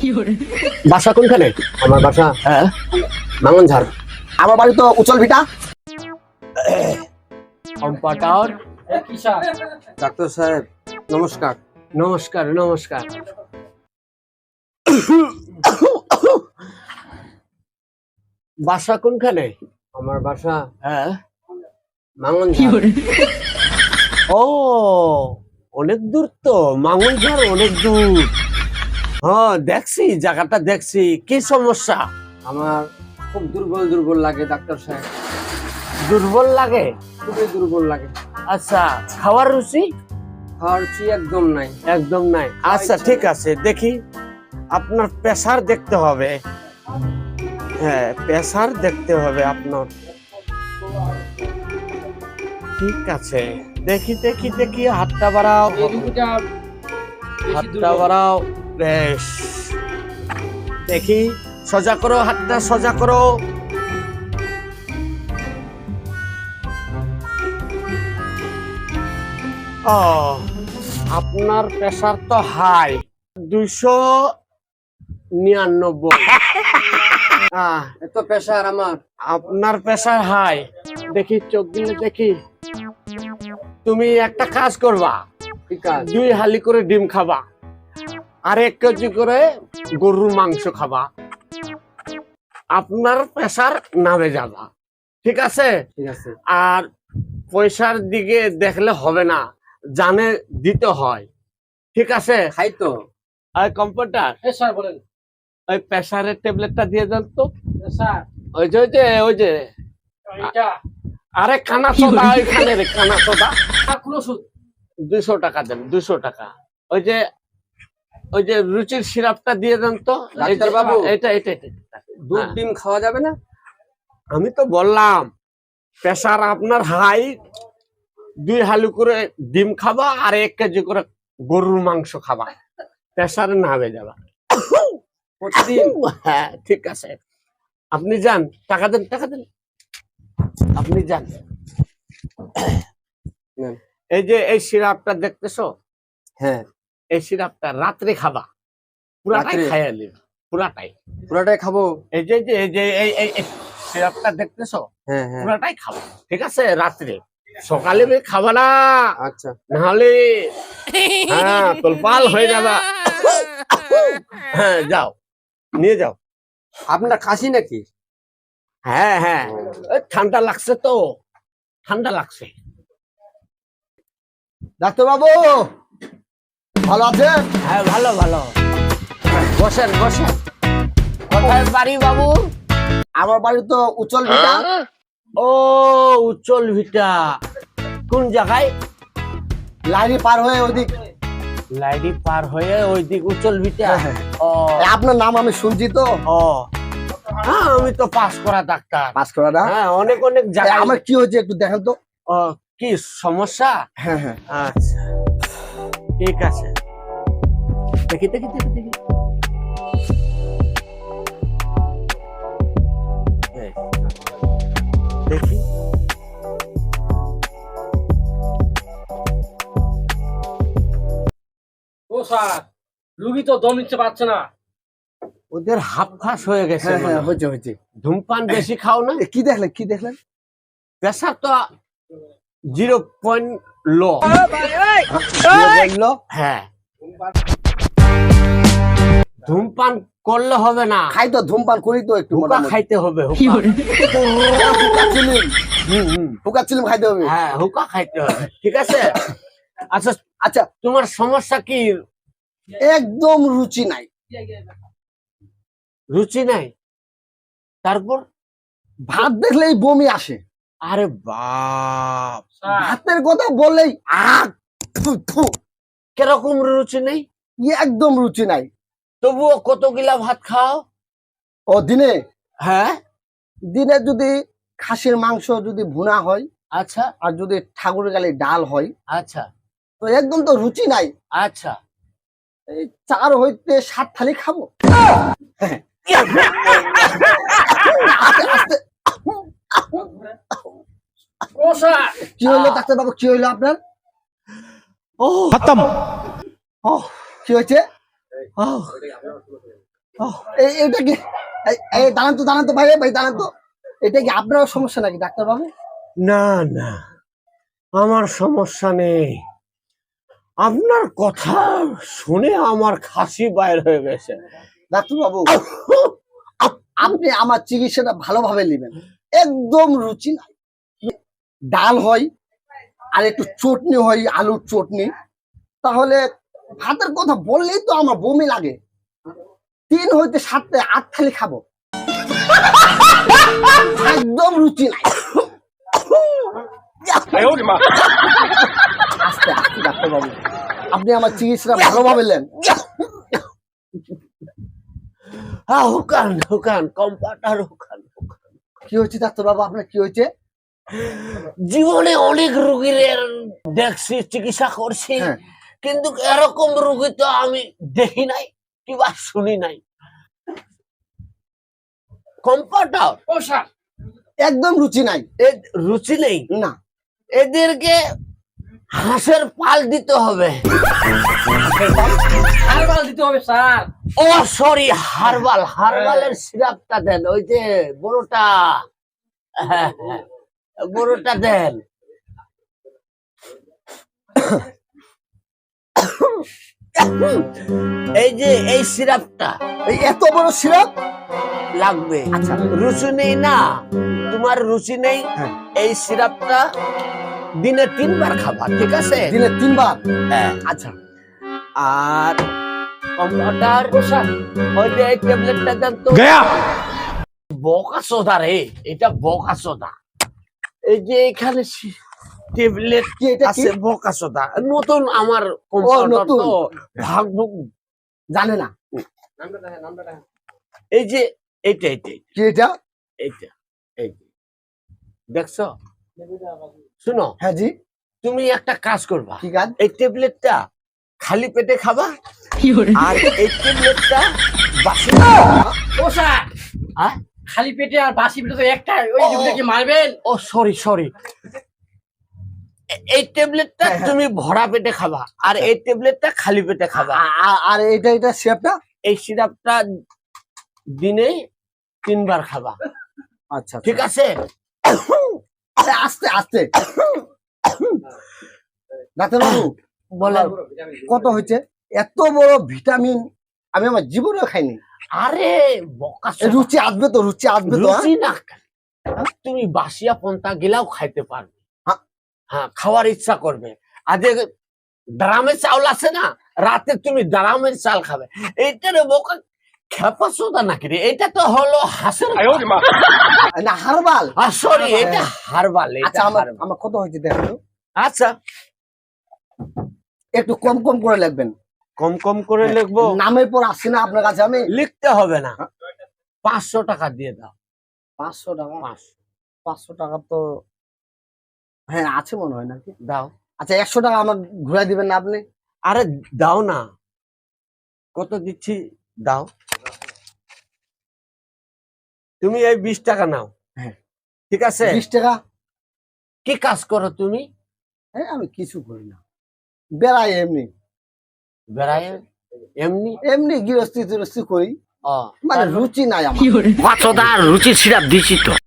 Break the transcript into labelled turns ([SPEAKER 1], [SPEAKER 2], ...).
[SPEAKER 1] বাসা কোনখানে?
[SPEAKER 2] আমার বাসা
[SPEAKER 1] হ্যাঁ,
[SPEAKER 2] মাঙ্গনঝাড়।
[SPEAKER 1] আমার বাড়ি তো উচল ভিটা।
[SPEAKER 2] কম্পাউন্ডার ডাক্তার সাহেব নমস্কার।
[SPEAKER 1] নমস্কার নমস্কার। বাসা কোনখানে?
[SPEAKER 2] আমার বাসা
[SPEAKER 1] হ্যাঁ,
[SPEAKER 2] মাঙ্গনঝাড়।
[SPEAKER 1] ও অনেক দূর তো, মাঙ্গনঝাড় অনেক দূর। হ্যাঁ দেখছি, জায়গাটা দেখছি। কি সমস্যা?
[SPEAKER 2] আমার খুব দুর্বল দুর্বল লাগে ডাক্তার সাহেব,
[SPEAKER 1] দুর্বল লাগে?
[SPEAKER 2] খুবই দুর্বল লাগে।
[SPEAKER 1] আচ্ছা, খাওয়ার রুচি?
[SPEAKER 2] খাওয়ার রুচি একদম নাই।
[SPEAKER 1] একদম নাই? আচ্ছা ঠিক আছে, দেখি আপনার প্রেসার দেখতে হবে। হ্যাঁ, প্রেসার দেখতে হবে আপনার। ঠিক আছে, দেখি দেখি দেখি, হাতটা বাড়াও, হাতটা বাড়াও। বেশ, দেখি, সোজা করো, হাতটা সোজা করো। ও, আপনার প্রেসার তো হাই, 299।
[SPEAKER 2] এত প্রেশার আমার।
[SPEAKER 1] আপনার প্রেসার হাই। দেখি চোখ দিলে দেখি। তুমি একটা কাজ করবা,
[SPEAKER 2] ঠিক আছে,
[SPEAKER 1] 2 হালি করে ডিম খাবা, আর 1 কেজি করে গরুর মাংস খাবা। আপনার প্রেসার নামে যাবা, ঠিক আছে?
[SPEAKER 2] ঠিক আছে।
[SPEAKER 1] আর পয়সার দিকে দেখলে হবে না, জানে দিতে হয়, ঠিক আছে?
[SPEAKER 2] খাই তো।
[SPEAKER 1] আর কম্পিউটার,
[SPEAKER 2] স্যার বলেন।
[SPEAKER 1] ওই প্রেসারের ট্যাবলেটটা দিয়ে দেন তো।
[SPEAKER 2] স্যার
[SPEAKER 1] ওই যে ওই যে ওই যে, আরে কানা সোদা, ওইখানে রে কানা সোদা। 200 টাকা দেন, 200 টাকা। ওই যে ওই যে রুচির সিরাপটা দিয়ে দেন তো।
[SPEAKER 2] ডাক্তার বাবু,
[SPEAKER 1] এটা এটা এটা।
[SPEAKER 2] দুধ ডিম খাওয়া যাবে না?
[SPEAKER 1] আমি তো বললাম প্রেসার আপনার হাই, 2 হালু করে ডিম খাবা আর 1 কেজি করে গরুর মাংস খাবা, প্রেসার নামে যাবা
[SPEAKER 2] প্রতিদিন?
[SPEAKER 1] হ্যাঁ ঠিক আছে, আপনি যান, টাকা দেন, টাকা দেন, আপনি যান।
[SPEAKER 2] নেন।
[SPEAKER 1] এই যে এই সিরাপটা দেখতেছো,
[SPEAKER 2] হ্যাঁ,
[SPEAKER 1] এই সিরাপটা রাত্রে খাবা, পুরাটাই
[SPEAKER 2] রাত্রে?
[SPEAKER 1] খাইয়া নিবা, পুরাটাই।
[SPEAKER 2] পুরাটাই খাবো?
[SPEAKER 1] এই যে যে এই যে এই সিরাপটা দেখতেছো,
[SPEAKER 2] হ্যাঁ হ্যাঁ।
[SPEAKER 1] পুরাটাই খাবা, ঠিক আছে? রাত্রে, সকালে খাবা না,
[SPEAKER 2] আচ্ছা।
[SPEAKER 1] নাহলে হ্যাঁ তোলপাল হয়ে যাবা। হ্যাঁ যাও, নিয়ে যাও।
[SPEAKER 2] আপনার কাশি নাকি?
[SPEAKER 1] হ্যাঁ হ্যাঁ, ওই ঠান্ডা লাগছে তো, ঠান্ডা লাগছে।
[SPEAKER 3] ডাক্তার বাবু ভালো আছেন?
[SPEAKER 1] হ্যাঁ ভালো ভালো, বসেন বসেন। কোথায় বাড়ি বাবু?
[SPEAKER 3] আমার বাড়ি তো উচল ভিটা।
[SPEAKER 1] ও উচ্চল ভিটা, কোন জায়গায়?
[SPEAKER 3] লাইনে পার হয়ে ওইদিক।
[SPEAKER 1] লাইডি পার হয়ে ওই দিক উচ্চল ভিটা।
[SPEAKER 3] হ্যাঁ।
[SPEAKER 1] ও
[SPEAKER 3] আপনার নাম আমি শুনছি তো।
[SPEAKER 1] ও, হ্যাঁ আমি তো পাস করা ডাক্তার।
[SPEAKER 3] পাস করা না?
[SPEAKER 1] হ্যাঁ অনেক অনেক জায়গায়।
[SPEAKER 3] আমার কি হয়েছে একটু দেখেন তো।
[SPEAKER 1] ও, কি সমস্যা?
[SPEAKER 3] হ্যাঁ হ্যাঁ।
[SPEAKER 1] আচ্ছা ঠিক আছে, দেখি দেখি দেখি দেখি। এই, দেখি।
[SPEAKER 4] ও স্যার, রুগী তো দম নিতে পারছে না।
[SPEAKER 1] ওদের হাফ ফাস হয়ে গেছে
[SPEAKER 3] হ্যাঁ
[SPEAKER 1] মনে
[SPEAKER 3] হ্যাঁ
[SPEAKER 1] হয়।
[SPEAKER 3] হয়েছে হয়েছে।
[SPEAKER 1] ধূমপান বেশি খাও না?
[SPEAKER 3] কি দেখলেন কি দেখলেন?
[SPEAKER 1] প্রেসার তো 0 লো।
[SPEAKER 3] বললো
[SPEAKER 1] হ্যাঁ, ধূমপান করলে হবে না,
[SPEAKER 3] খাই তো, ধূমপান করি তো একটু।
[SPEAKER 1] হুকা খাইতে হবে, হুকা।
[SPEAKER 3] হুকা চিলিম খাইতে হবে।
[SPEAKER 1] হ্যাঁ হুকা খাইতে হবে, ঠিক আছে? আচ্ছা
[SPEAKER 3] আচ্ছা,
[SPEAKER 1] তোমার সমস্যা কি?
[SPEAKER 3] একদম রুচি নাই।
[SPEAKER 1] রুচি নাই? তারপর?
[SPEAKER 3] ভাত দেখলেই বমি আসে।
[SPEAKER 1] আরে বাপ,
[SPEAKER 3] ভাতের কথা বললেই আহ থু, থু।
[SPEAKER 1] কিরকম রুচি নেই?
[SPEAKER 3] একদম রুচি নাই।
[SPEAKER 1] তবুও কত গিলা ভাত খাও?
[SPEAKER 3] ও দিনে
[SPEAKER 1] হ্যাঁ
[SPEAKER 3] দিনে যদি খাসির মাংস যদি ভুনা হয়,
[SPEAKER 1] আচ্ছা
[SPEAKER 3] আর যদি ঠাকুরের গালে ডাল হয়,
[SPEAKER 1] আচ্ছা
[SPEAKER 3] তো একদম তো রুচি নাই।
[SPEAKER 1] আচ্ছা।
[SPEAKER 3] এই 4 হইতে 7 থালি খাবো। আস্তে আস্তে।
[SPEAKER 4] ও স্যার,
[SPEAKER 3] কি হইলো ডাক্তার বাবু, কি হইলো আপনার?
[SPEAKER 1] ও
[SPEAKER 3] ও কি হয়েছে?
[SPEAKER 1] ও
[SPEAKER 3] এটা কি দাঁড়ান তো ভাই ভাই দাঁড়ান তো, এটা কি আপনার সমস্যা নাকি ডাক্তার বাবু?
[SPEAKER 1] না না, আমার সমস্যা নেই। আপনার কথা শুনে আমার খাসি বাইর হয়ে গেছে।
[SPEAKER 3] ডাক্তার বাবু আপনি আমার চিকিৎসাটা ভালোভাবে নেবেন, একদম রুচি নাই। ডাল হয় আর একটু চটনি হয়, আলুর চটনি, তাহলে ভাতের কথা বললেই তো আমার বমি লাগে। 3 হইতে 7 8 থালি খাবো, একদম রুচি নাই। আস্তে আস্তে ডাক্তার বাবু, আপনি আমার চিকিৎসাটা ভালোভাবে নেন।
[SPEAKER 1] হুকান হুকান, কম্পাউন্ডার হুকান।
[SPEAKER 3] কি হয়েছে ডাক্তার বাবু, আপনার কি হয়েছে?
[SPEAKER 1] জীবনে অনেক রোগীর দেখছি, চিকিৎসা করছি,
[SPEAKER 3] হ্যাঁ।
[SPEAKER 1] কিন্তু এরকম রোগী তো আমি দেখি নাই কিংবা শুনি নাই। কম্পাউন্ডার,
[SPEAKER 4] ও স্যার,
[SPEAKER 3] একদম রুচি নাই।
[SPEAKER 1] রুচি নেই
[SPEAKER 3] না,
[SPEAKER 1] এদেরকে হাঁসের পাল দিতে হবে।
[SPEAKER 4] হারবাল দিতে হবে স্যার।
[SPEAKER 1] ও সরি, হারবালের সিরাপটা দেন, ওই যে বড়টা, হ্যাঁ, হ্যাঁ, বড়টা দেন। এই যে এই সিরাপটা
[SPEAKER 3] এই এত বড় সিরাপ
[SPEAKER 1] লাগবে।
[SPEAKER 3] আচ্ছা।
[SPEAKER 1] রুচি নেই না, তোমার রুচি নেই,
[SPEAKER 3] হ্যাঁ।
[SPEAKER 1] এই সিরাপটা দিনে 3 বার খাবা, ঠিক আছে?
[SPEAKER 3] দিনে 3 বার?
[SPEAKER 1] হ্যাঁ।
[SPEAKER 3] আচ্ছা।
[SPEAKER 1] আর কম্পাউন্ডার, ওই যে এই ট্যাবলেটটা দেন তো। বকা সোদা রে, এটা বকা সোদা। এই যে এখানে ট্যাবলেট
[SPEAKER 3] কি এটা কি?
[SPEAKER 1] আছে, বকা সোদা নতুন, আমার কম্পাউন্ডার
[SPEAKER 3] নতুন।
[SPEAKER 1] তো ভাগ ভুগ
[SPEAKER 3] জানে না।
[SPEAKER 1] এই যে এইটা এইটা
[SPEAKER 3] কি এটা?
[SPEAKER 1] এইটা এই যে দেখছো, শুনো,
[SPEAKER 3] হ্যাঁ জি।
[SPEAKER 1] তুমি একটা কাজ করবা,
[SPEAKER 3] কি কাজ?
[SPEAKER 1] এই ট্যাবলেটটা খালি পেটে খাবা, আর এই ট্যাবলেটটা বাসি।
[SPEAKER 4] ও স্যার,
[SPEAKER 1] হ্যাঁ?
[SPEAKER 4] খালি পেটে আর বাসি পেটে তো একটাই, ওই দুটো কি মারবেন?
[SPEAKER 1] ও সরি, এই ট্যাবলেটটা
[SPEAKER 3] হ্যাঁ, হ্যাঁ।
[SPEAKER 1] তুমি ভরা পেটে খাবা, আর এই ট্যাবলেটটা খালি পেটে খাবা।
[SPEAKER 3] আর এটা সিরাপটা?
[SPEAKER 1] এই সিরাপটা দিনে 3 বার খাবা,
[SPEAKER 3] আচ্ছা
[SPEAKER 1] ঠিক আছে?
[SPEAKER 3] আস্তে আস্তে। ডাক্তার বাবু
[SPEAKER 1] বলেন।
[SPEAKER 3] কত হয়েছে? এত বড় ভিটামিন আমি আমার জীবনেও খাইনি।
[SPEAKER 1] আরে বকা
[SPEAKER 3] এ রুচি আসবে তো, রুচি আসবে তো।
[SPEAKER 1] রুচি না, তুমি বাসিয়া পন্থা গেলাও খাইতে পারবে।
[SPEAKER 3] হ্যাঁ।
[SPEAKER 1] হ্যাঁ, খাওয়ার ইচ্ছা করবে। আজকে ড্রামের চাউল আছে না, রাতে তুমি ড্রামের চাল খাবে। এইটারে বোকা খেপা সোদা নাকি রে, এটা তো হলো হাঁসের
[SPEAKER 3] না, হারবাল।
[SPEAKER 1] সরি, এটা হারবাল।
[SPEAKER 3] আচ্ছা, আমার কত হয়েছে দেখো তো।
[SPEAKER 1] আচ্ছা,
[SPEAKER 3] একটু কম কম করে লিখবেন।
[SPEAKER 1] কম কম করে লিখবো?
[SPEAKER 3] নামের পর আসছে না আপনার কাছে, আমি
[SPEAKER 1] লিখতে হবে না, 500 টাকা দিয়ে দাও।
[SPEAKER 3] 500 টাকা?
[SPEAKER 1] 500
[SPEAKER 3] 500 টাকা তো হ্যাঁ আছে মনে হয় নাকি।
[SPEAKER 1] দাও।
[SPEAKER 3] আচ্ছা, 100 টাকা আমার ঘুরাই দিবেন না আপনি?
[SPEAKER 1] আরে দাও না, কত দিচ্ছি দাও। তুমি এই 20 টাকা নাও।
[SPEAKER 3] হ্যাঁ।
[SPEAKER 1] ঠিক আছে?
[SPEAKER 3] 20 টাকা?
[SPEAKER 1] কি কাজ করো তুমি?
[SPEAKER 3] হ্যাঁ, আমি কিছু করি না, বেড়াই এমনি
[SPEAKER 1] বেড়ায় এমনি?
[SPEAKER 3] এমনি গৃহস্থী টিরস্থি করি,
[SPEAKER 1] ও,
[SPEAKER 3] মানে রুচি নাই আমার।
[SPEAKER 1] রুচির সিরাপ দিছি তো।